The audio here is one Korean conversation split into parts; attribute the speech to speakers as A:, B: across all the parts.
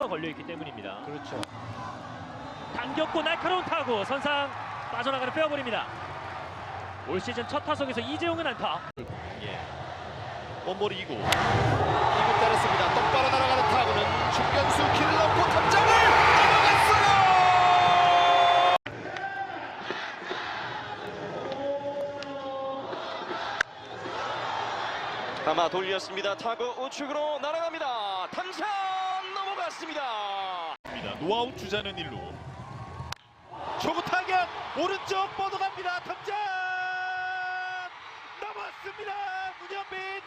A: 걸려있기 때문입니다.
B: 그렇죠.
A: 당겼고 날카로운 타구 선상 빠져나가는 빼어버립니다. 올 시즌 첫 타석에서 이재용은 안타.
C: 원볼 2구 때렸습니다. 똑바로 날아가는 타구는 중견수 길을 넘고 탑장을 넘어갔어요. 아마 돌렸습니다. 타구 우측으로 날아갑니다. 탐장 넘어갔습니다. 노아웃 주자는 1루. 초구 타격 오른쪽 뻗어갑니다. 탐장 넘었습니다. 문현빈.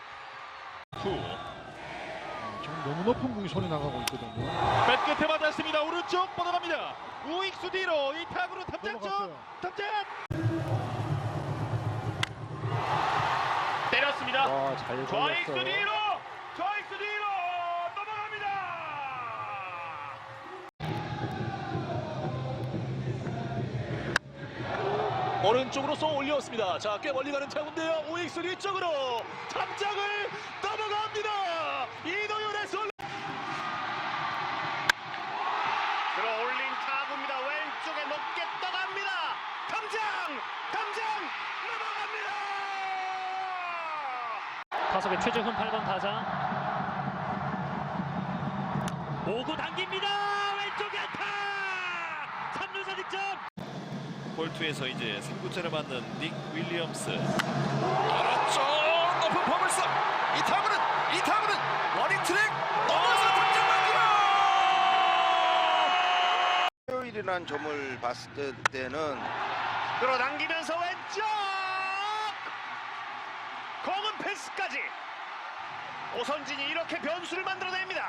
B: 지금 너무 높은 공이 손에 나가고 있거든요.
C: 뱃 끝에 맞았습니다. 오른쪽 뻗어갑니다. 우익수 뒤로 이 타구로 탑장 쪽 탑장 때렸습니다.
B: 잘
C: 좌익수
B: 걸렸어요.
C: 뒤로 좌익수 뒤로 넘어갑니다. 오른쪽으로 쏘 올렸습니다. 자, 꽤 멀리 가는 타구인데요. 우익수 뒤쪽으로 탑장을 넘어갑니다. 이도윤의 솔 들어올린 타구입니다. 왼쪽에 높게 떠갑니다. 탐장 넘어갑니다.
A: 타석의 최재훈 8번 타자 5구 당깁니다. 왼쪽에 안타 3루자 득점.
C: 볼투에서 이제 3구째를 맞는 닉 윌리엄스. 오른쪽 높은 포물선. 이 타구는 러닝 트랙 넘어서 탑장 맞기로.
D: 토요일이라는 점을 봤을 때는
C: 끌어당기면서 왼쪽 공은 패스까지 오선진이 이렇게 변수를 만들어냅니다.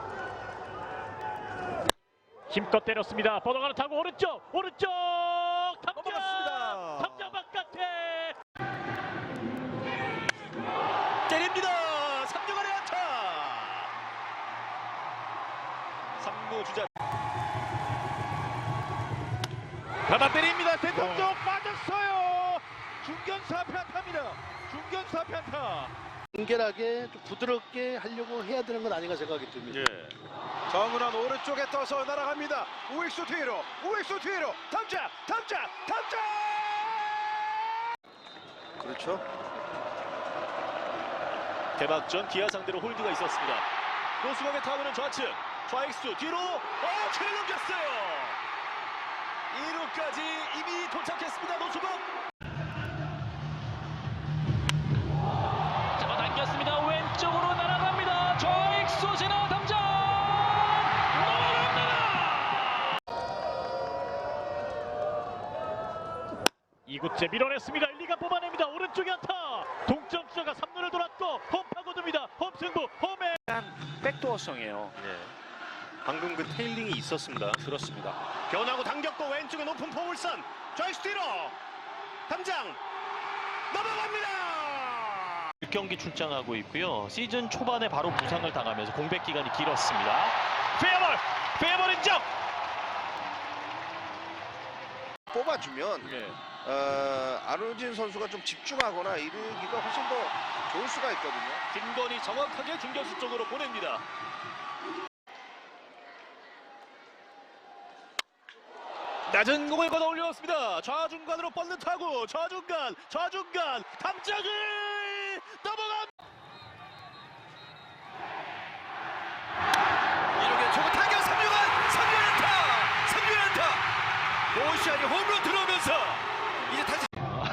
A: 힘껏 때렸습니다. 뻗어가는 타구 오른쪽
C: 넘어갔습니다.
A: 탑장 바깥에
C: 때립니다. 3루 안에 안타. 3구 주자 받아 때립니다. 센터 쪽 빠졌어요. 중견수 앞에 안타입니다. 중견수 앞에 안타.
E: 간결하게 좀 부드럽게 하려고 해야 되는 건 아닌가 생각이 듭니다.
C: 정은환 오른쪽에 떠서 날아갑니다. 우익수 뒤로 탑장
D: 그렇죠.
C: 개막전 기아 상대로 홀드가 있었습니다. 노수범의 타구는 좌측 좌익수 뒤로 잘 넘겼어요. 2루까지 이미 도착했습니다. 노수범
A: 잡아당겼습니다. 왼쪽으로 날아갑니다. 좌익수 지나 탐장 넘어갑니다. 2구째 밀어냈습니다. 1리가 뽑아냅니다. 오른쪽에 안타. 동점 주자가 3루를 돌았고 홈 파고듭니다. 홈 승부 홈에
F: 백도어성이에요.
C: 방금 그 테일링이 있었습니다.
F: 그렇습니다.
C: 변하고 당겼고 왼쪽에 높은 포물선 좌익수 뒤로 탐장 넘어갑니다.
F: 6경기 출장하고 있고요. 시즌 초반에 바로 부상을 당하면서 공백 기간이 길었습니다.
C: 페어볼 인정.
D: 뽑아주면 안우진 선수가 좀 집중하거나 이르기가 훨씬 더 좋을 수가 있거든요.
C: 김건희 정확하게 중견수 쪽으로 보냅니다. 낮은 공을 걷어 올렸습니다. 좌중간으로 뻗는 타구. 좌중간 탐장을 넘어갑니다. 이렇게 초구 타격 3루간 3루 안타. 오시안이 홈런 들어오면서 이제 다시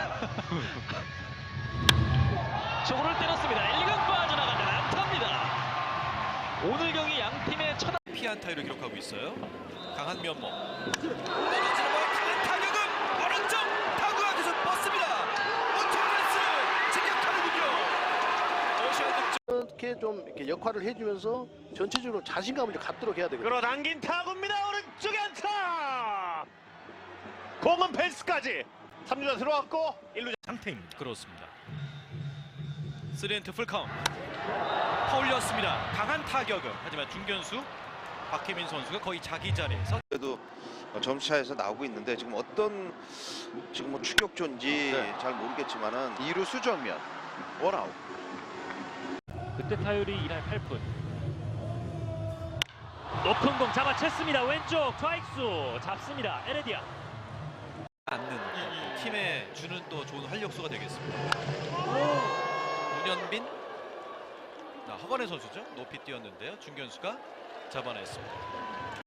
A: 초구를 때렸습니다. 1루 빠져나가는 안타입니다. 오늘 경기 양 팀의 첫
C: 피안타를 기록하고 있어요. 강한 면모. 떨어지는 강한 타격은 오른쪽 타구가 계속 뻗습니다. 우측 직격타구군요. 오시안 득점.
E: 이렇게 좀 이렇게 역할을 해주면서 전체적으로 자신감을 좀 갖도록 해야 되거든요.
C: 끌어당긴 타구입니다. 오른쪽에 안타. 공은 펜스까지 3루자 들어왔고 1루자 상태입니다. 그렇습니다. 3엔트 풀카운트. 파울렸습니다. 강한 타격은 하지만 중견수 박혜민 선수가 거의 자기 자리에서
D: 그래도 점수차에서 나오고 있는데 지금 어떤 지금 뭐 추격조인지 잘 모르겠지만은 2루 수정면 원아웃.
A: 그때 타율이 2할 8푼. 높은 공 잡아챘습니다. 왼쪽 좌익수 잡습니다. 에레디아.
G: 않는 팀에 주는 또 좋은 활력소가 되겠습니다. 문현빈, 허건의 선수죠. 높이 뛰었는데요. 중견수가 잡아냈습니다.